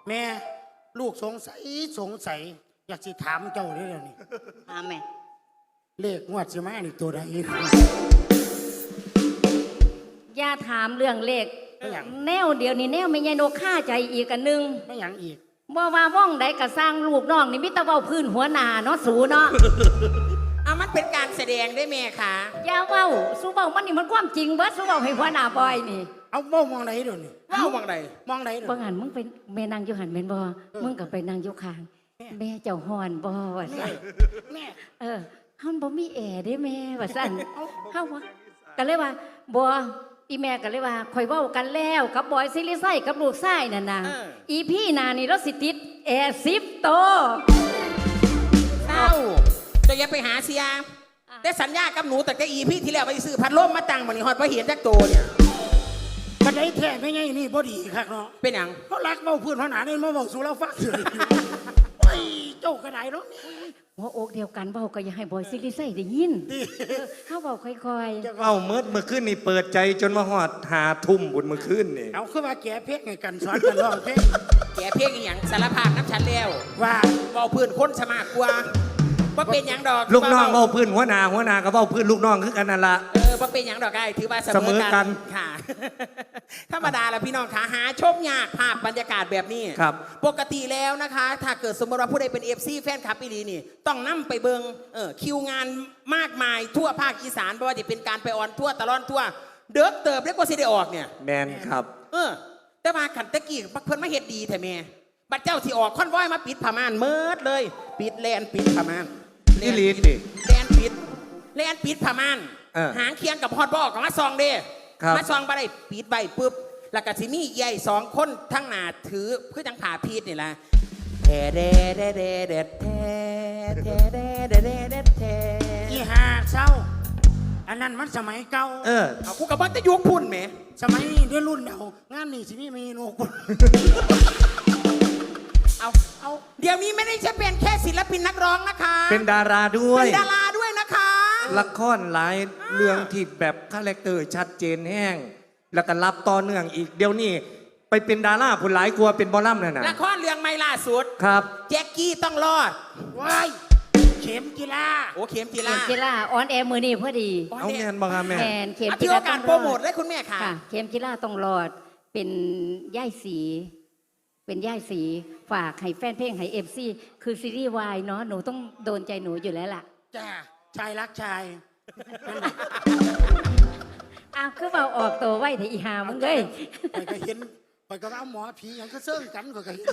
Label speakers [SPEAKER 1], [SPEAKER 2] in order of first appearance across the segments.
[SPEAKER 1] แม่ลูกสงสัยอยากสิถามเจ้าได้แล้วนี่
[SPEAKER 2] ถามแม่
[SPEAKER 1] เลขงวดสิมานี่ตัวใด
[SPEAKER 2] อย่าถามเรื่องเลขแนวเดียวนี่แนวไม่ใช่นกฆ่าใจอีกอันนึง
[SPEAKER 1] ไม่หยังอีก
[SPEAKER 2] บ่ว่าว่องใดก็สร้างลูกน้องนี่มิตรเว้าพื้นหัวหน้าเนาะสูเนาะ
[SPEAKER 3] เอามันเป็นการแสดงได้แม่ค่ะ
[SPEAKER 2] อย่าเว้าสู้เว้ามันนี่มันความจริงเบิดสู้เว้าให้หัวหน้าบอยนี่
[SPEAKER 1] เอาเว้ามองไหนเดี๋ยวนี้
[SPEAKER 3] เว้ามองไหน
[SPEAKER 1] เดี๋ยว
[SPEAKER 2] บ่หันมึงเป็นแม่นางอยู่หันแม่นบ่มึงก็ไปนางอยู่ข้างแม่เจ้าฮ้อนบ่ว่าซั่น
[SPEAKER 1] แม่
[SPEAKER 2] เฮาบ่มีแอร์เด้แม่ว่าซั่นเฮาว่าก็เลยว่าบ่อีแม่ก็เลยว่าข่อยเว้ากันแล้วกับบอยซิลิไซกับลูกชายนั่นน่ะอีพี่นานี่เราสิติดแอร์10 โต
[SPEAKER 3] เศร้าจะอย่าไปหาเสียได้สัญญากับหนูแต่ก็อีพี่ที่แล้วไปซื้อพัดลมมาตั้งมันนี่ฮอดบ่เห็นจักโตเนี่ย
[SPEAKER 1] บันไดแท้ไม่ไงนี่บ่ดีคักเนาะ
[SPEAKER 3] เป็นหยัง
[SPEAKER 1] เขารักเว้าพื้นหัวหน้านี่มาเว้าสู่เราฟังเฉยโอ้ยเจ้าก็ได้เนาะ
[SPEAKER 2] หัวอกเดียวกันเว้าก็อย่าให้บอยซิลิไซได้ยินเฮาเว้าค่อย
[SPEAKER 4] ๆเว้าเมื่อคืนนี่เปิดใจจนมาฮอด5 ทุ่มบุญเมื่อคืนนี่
[SPEAKER 1] เอาคือว่าแก่เพลงให้กันสอนกันร้องเพลง
[SPEAKER 3] แกเพลงอีหยังสารภาพน้ำฉันแล้ว
[SPEAKER 1] ว่า
[SPEAKER 3] เว้าพื้นคนสมากกว่าบ่เป็นหยังดอก
[SPEAKER 4] ลูกน้องเว้าพื้นหัวหน้าก็เว้าพื้นลูกน้องคือกันนั่นล่ะ
[SPEAKER 3] บ่เป็นหยังดอกไอ้ถือว่า
[SPEAKER 4] เสมอกัน
[SPEAKER 3] ค่ะธรรมดาแล้วพี่น้องขาหาชมยากภาพบรรยากาศแบบนี้
[SPEAKER 4] ครับ
[SPEAKER 3] ปกติแล้วนะคะถ้าเกิดสมมติว่าผู้ใดเป็น FC แฟนคลับอีหลีนี่ต้องนำไปเบิงคิวงานมากมายทั่วภาคอีสานเพราะว่าจะเป็นการไปออนทั่วตลอดทั่วเด้อเติบเรียกว่าสิได้ออกเนี่ย
[SPEAKER 4] แมนครับ
[SPEAKER 3] แต่มาขันตะกี้เพิ่นมาเฮ็ดดีแท้แม่บัดเจ้าที่ออกคอนวอยมาปิดผ้าม่านเมิดเลยปิดแลนปิดผ้าม่าน
[SPEAKER 4] นี่ลีดดิ
[SPEAKER 3] แลนปิดผ้าม่านหางเคียงกับฮอดบ่กับมาซองเด้มาซองบ่ได้ปิดใบปุ๊บแล้วก็สิมีใหญ่2 คนทั้งหน้าถือคือจังผ่าพีดนี่ล่ะแท้เด้เด้เด้เด้แท้แท้เด้เด้เด้เด้แท้
[SPEAKER 1] อีหาเศร้าอันนั้นมันสมัยเก่า
[SPEAKER 3] เอากูกับว่าจะยุคพุ่นแหม
[SPEAKER 1] สมัยนี้ด้วยรุ่นเดางานนี่สิมีเมนูคน
[SPEAKER 3] เอาเดี๋ยวนี้ไม่ได้จะเป็นแค่ศิลปินนักร้องนะคะ
[SPEAKER 4] เป็นดาราด้วย
[SPEAKER 3] เป็นดาราด้วยนะคะ
[SPEAKER 4] ละครหลายเรื่องที่แบบคาแรคเตอร์ชัดเจนแห้งแล้วก็รับต่อเนื่องอีกเดี๋ยวนี้ไปเป็นดาราผลหลายกลัวเป็นบอลลัมนั่นน่ะ
[SPEAKER 3] ละครเรื่องใหม่ล่าสุด
[SPEAKER 4] ครับ
[SPEAKER 3] แจ็คกี้ต้องรอด
[SPEAKER 1] ว้ายเข็มกีฬา
[SPEAKER 3] เข็มกีฬา
[SPEAKER 2] ออนแอร์มือนี่พอดี
[SPEAKER 4] เอาแมนบ้างครับแม่
[SPEAKER 2] เข็ม
[SPEAKER 3] กีฬาต้องรอดโปรโมทเลยคุณแม่ค่ะ
[SPEAKER 2] เข็มกีฬาต้องรอดเป็นย่ายสีฝากให้แฟนเพลงให้FCคือซีรีส์วายเนาะหนูต้องโดนใจหนูอยู่แล้วล่ะ
[SPEAKER 1] จ้าชายรักชาย
[SPEAKER 2] คือเอาออกตัวไว้แต่อีหามึงเลย
[SPEAKER 1] ข่อยก็เห็นข่อยก็เอาหมอผีอย่างก็เสื่องกันข่อยก็เห็น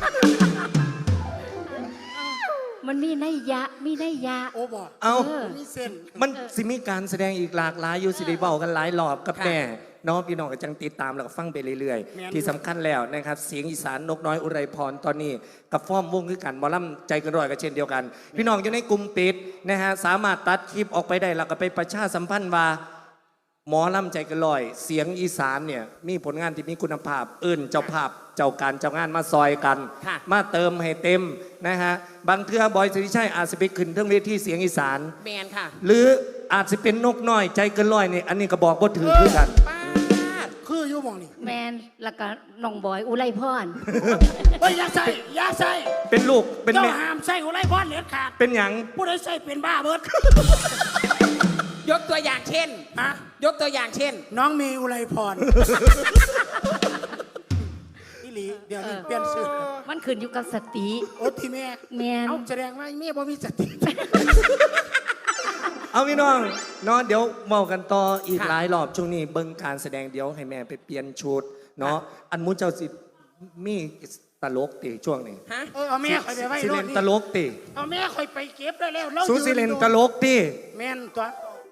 [SPEAKER 2] มันมีนัยยะ
[SPEAKER 1] โอ้บอก
[SPEAKER 4] มีเส้นมันสิมีการแสดงอีกหลากหลายอยู่สิได้เว้ากันหลายรอบกับแม่น้องพี่น้องก็จังติดตามแล้วก็ฟังไปเรื่อยๆที่สำคัญแล้วนะครับเสียงอีสานนกน้อยอุไรพรตอนนี้กับฟ้อมวงคือกันหมอลำใจเกินร้อยก็เช่นเดียวกันพี่น้องอยู่ในกลุ่มปิดนะฮะสามารถตัดคลิปออกไปได้แล้วก็ไปประชาสัมพันธ์ว่าหมอลำใจเกินร้อยเสียงอีสานเนี่ยมีผลงานที่มีคุณภาพเจ้าภาพเจ้าการเจ้างานมาซอยกันมาเติมให้เต็มนะฮะบางเทื่อบอยสิริชัยอาจจะไปขึ้นเรื่องเวทีเสียงอีสาน
[SPEAKER 3] แมนค่ะ
[SPEAKER 4] หรืออาจจะเป็นนกน้อยใจเกินร้อยนี่อันนี้ก็บอกว่าถือคือกัน
[SPEAKER 1] คืออยู่มองนี่
[SPEAKER 2] แมนแล้วก็น้องบอยอุไรพร
[SPEAKER 1] อย่าใส่
[SPEAKER 4] เป็นลูกเป็น
[SPEAKER 1] แม่ห้ามใส่อุไรพรเด็ดขาด
[SPEAKER 4] เป็นหยัง
[SPEAKER 1] ผู้ใดใส่เป็นบ้าเบิด
[SPEAKER 3] ยกตัวอย่างเช่นยกตัวอย่างเช่น
[SPEAKER 1] น้องมีอุไรพรอีหลีเดี๋ยวนี้เปลี่ยนชื่อ
[SPEAKER 2] มันขึ้นอยู่กับสติ
[SPEAKER 1] โอ้ที่แม่เอาแสดงว่าแม่บ่มีสติ
[SPEAKER 4] เอาพี่น้องเนาะเดี๋ยวเมากันต่ออีกหลายรอบช่วงนี้เบิ่งการแสดงเดี๋ยวให้แม่ไปเปลี่ยนชุดเนาะอันมุ้งเจ้าสิมีตลกติช่วงนี้
[SPEAKER 1] เอาแม่คอยไปไว้
[SPEAKER 4] สิเลนตลกติ
[SPEAKER 1] เอาแม่คอยไปเก็บได้แล้ว
[SPEAKER 4] สูสิเลนตลกติ
[SPEAKER 1] แม่นตัว